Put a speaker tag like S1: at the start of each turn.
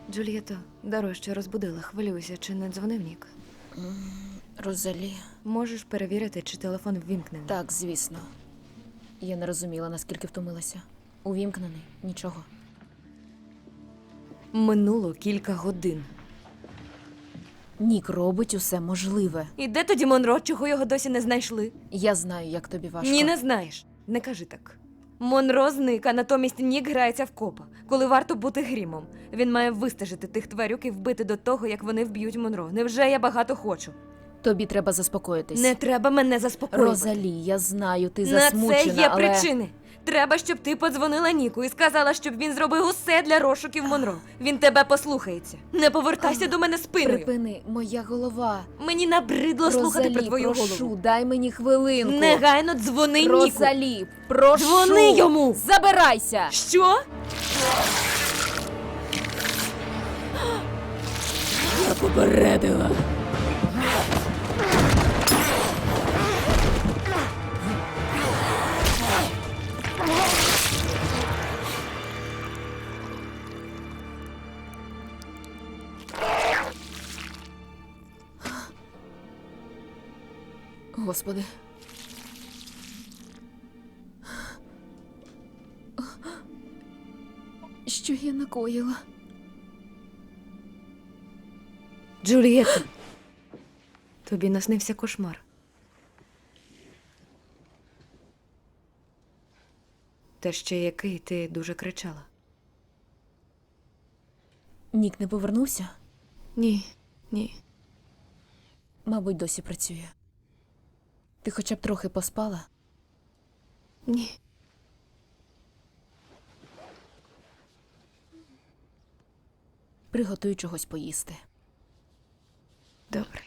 S1: Джульєто, даруй, що розбудила. Хвилююся, чи не дзвонив Нік?
S2: Розалі.
S1: Можеш перевірити, чи телефон ввімкнений?
S2: Так, звісно. Я не розуміла, наскільки втомилася. Увімкнений. Нічого.
S1: Минуло кілька годин.
S2: Нік робить усе можливе.
S1: І де тоді Монро, чого його досі не знайшли?
S2: Я знаю, як тобі важко.
S1: Ні, не знаєш. Не кажи так. Монро зник, а натомість Нік грається в копа, коли варто бути грімом. Він має вистежити тих тварюк і вбити до того, як вони вб'ють Монро. Невже я багато хочу?
S2: Тобі треба заспокоїтись.
S1: Не треба мене заспокоювати.
S2: Розалі, я знаю, ти
S1: На
S2: засмучена,
S1: це є
S2: але...
S1: причини. Треба, щоб ти подзвонила Ніку і сказала, щоб він зробив усе для розшуків Монро. Він тебе послухається. Не повертайся до мене спиною.
S2: Припини, моя голова.
S1: Мені набридло слухати про твою
S2: прошу,
S1: голову.
S2: дай мені хвилинку.
S1: Негайно дзвони Ніку.
S2: Розалі, прошу.
S1: Дзвони йому.
S2: Забирайся.
S1: Що?
S2: Я попередила. Господи. Що я накоїла?
S1: Джульєтто, тобі наснився кошмар. Та ще який ти дуже кричала.
S2: Нік не повернувся?
S1: Ні, ні.
S2: Мабуть, досі працює. Ти хоча б трохи поспала?
S1: Ні.
S2: Приготуй чогось поїсти.
S1: Добре.